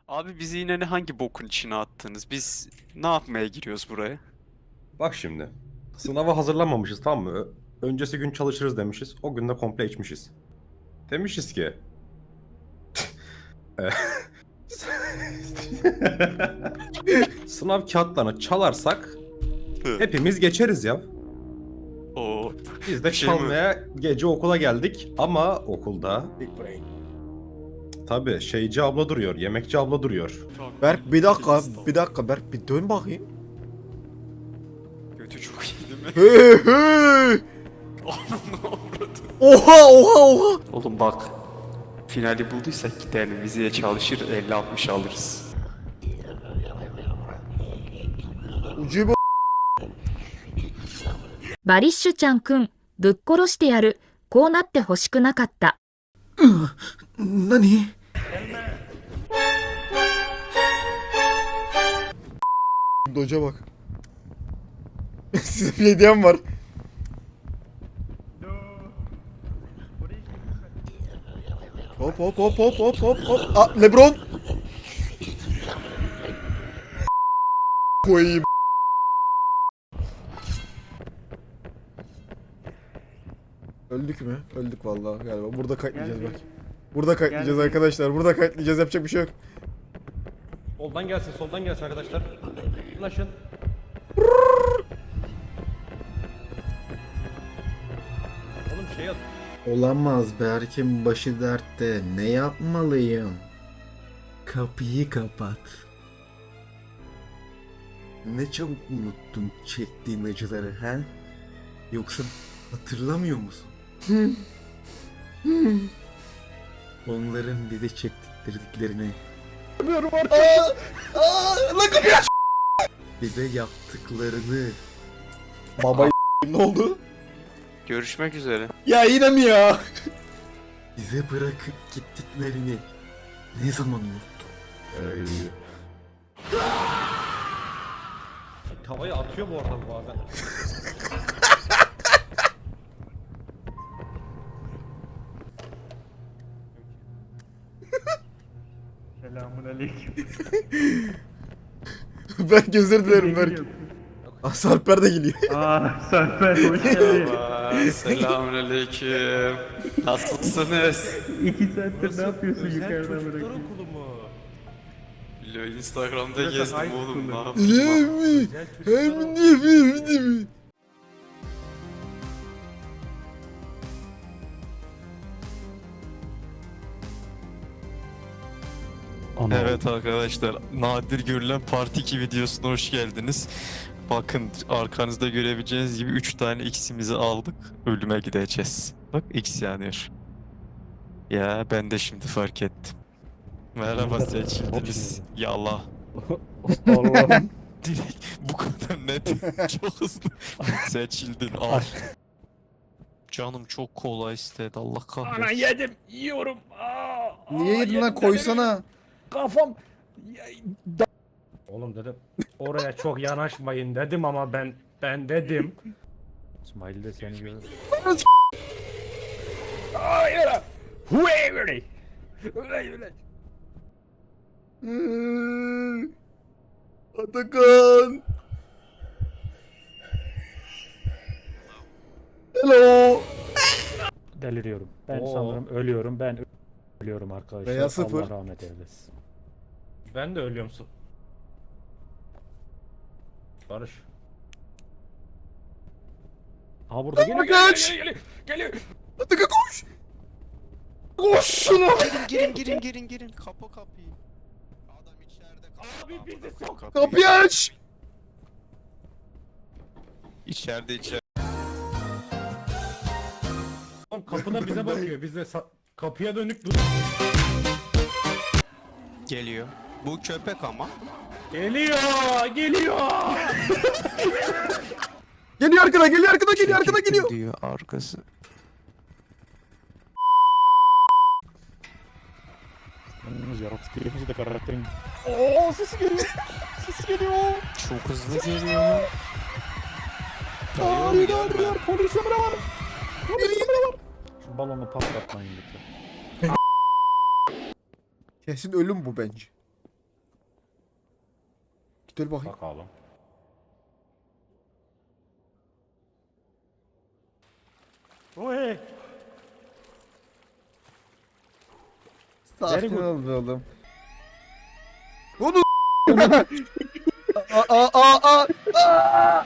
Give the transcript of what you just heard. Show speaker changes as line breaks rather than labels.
Abi bizi yine hangi bokun içine attınız? Biz ne yapmaya giriyoruz buraya?
Bak şimdi. Sınava hazırlanmamışız, tamam mı? Öncesi gün çalışırız demişiz. O gün de komple içmişiz. Demişiz ki. e, Sınav kağıtlarını çalarsak hepimiz geçeriz ya.
O
Biz de
Bir şey mi?
çalmaya gece okula geldik ama okulda tabii şeyci abla duruyor, yemekçi abla duruyor.
Berk bir dakika, bir dakika Berk bir dön bakayım.
Götü çok iyi değil mi?
Hey hey!
Ananı avradı.
Oha oha oha!
Oğlum bak. Finali bulduysak gidelim. Vizeye çalışır 50-60 alırız.
Ucube
バリッシュちゃんくん、ぶっ殺してやる。こうなってほしくなかった。
Nani? Doca bak. Size bir hediyem var. Hop hop hop hop hop hop hop. Aa, Lebron. Koyayım. Öldük mü? Öldük vallahi galiba. Burada kayıtlayacağız bak. Burada kayıtlayacağız arkadaşlar. Burada kayıtlayacağız. Yapacak bir şey yok.
Soldan gelsin, soldan gelsin arkadaşlar. Ulaşın. Oğlum şey at.
Olamaz, Berk'in başı dertte. Ne yapmalıyım? Kapıyı kapat. Ne çabuk unuttun çektiğin acıları he? Yoksa hatırlamıyor musun? Onların bize çektirdiklerini. Bilmiyorum artık. Lan kapıyı aç! Bize yaptıklarını. Baba ne oldu?
Görüşmek üzere.
Ya yine mi ya? Bize bırakıp gittiklerini ne zaman unuttun?
Tavayı atıyor bu arada bazen. Selamünaleyküm.
Berk özür dilerim Berk. Sarper de geliyor.
Serper hoş geldin.
Selamünaleyküm. Nasılsınız?
2 saattir ne yapıyorsun yukarıda bırakayım?
Bilo Instagram'da gezdim
high
oğlum. Ne
school'da.
yaptım lan? Evet arkadaşlar, nadir görülen Part 2 videosuna hoş geldiniz. Bakın arkanızda görebileceğiniz gibi 3 tane X'imizi aldık. Ölüme gideceğiz. Bak X yanıyor. Ya ben de şimdi fark ettim. Merhaba seçildiniz. Yallah.
Allah'ım.
Direkt bu kadar net. Çok hızlı. Seçildin al. Canım çok kola istedi Allah kahretsin.
Ana yedim, yiyorum.
Niye yedin lan koysana.
Kafam. Oğlum dedim oraya çok yanaşmayın dedim ama ben dedim. İsmail de seni görür. Hayır. Huey. Öyle.
Atakan. Hello.
Deliriyorum. Ben
Oo.
sanırım ölüyorum. Ben ölüyorum arkadaşlar.
Veya sıfır.
Allah rahmet eylesin. Ben de ölüyorum. Barış. Aa burada geliyor.
kaç!
Geliyor.
Atakan koş. Koş şuna.
Girin. Kapı kapıyı. Adam içeride.
Abi bizi sok.
Kapıyı aç.
İçeride.
Oğlum kapıda bize bakıyor. Biz de kapıya dönük dur.
Geliyor. Bu köpek ama.
Geliyor.
Geliyor arkada, geliyor arkada geliyor.
Diyor arkası.
Yaratık herifimizi de karakterin.
Oo sesi geliyor. Sesi geliyor.
Çok hızlı geliyor.
Hayır. Polis emri var.
Şu balonu patlatmayın lütfen.
Kesin ölüm bu bence. Dön bakayım.
Bakalım. Oy.
Sakin
good.
ol be oğlum. Onu aa aa aa aa.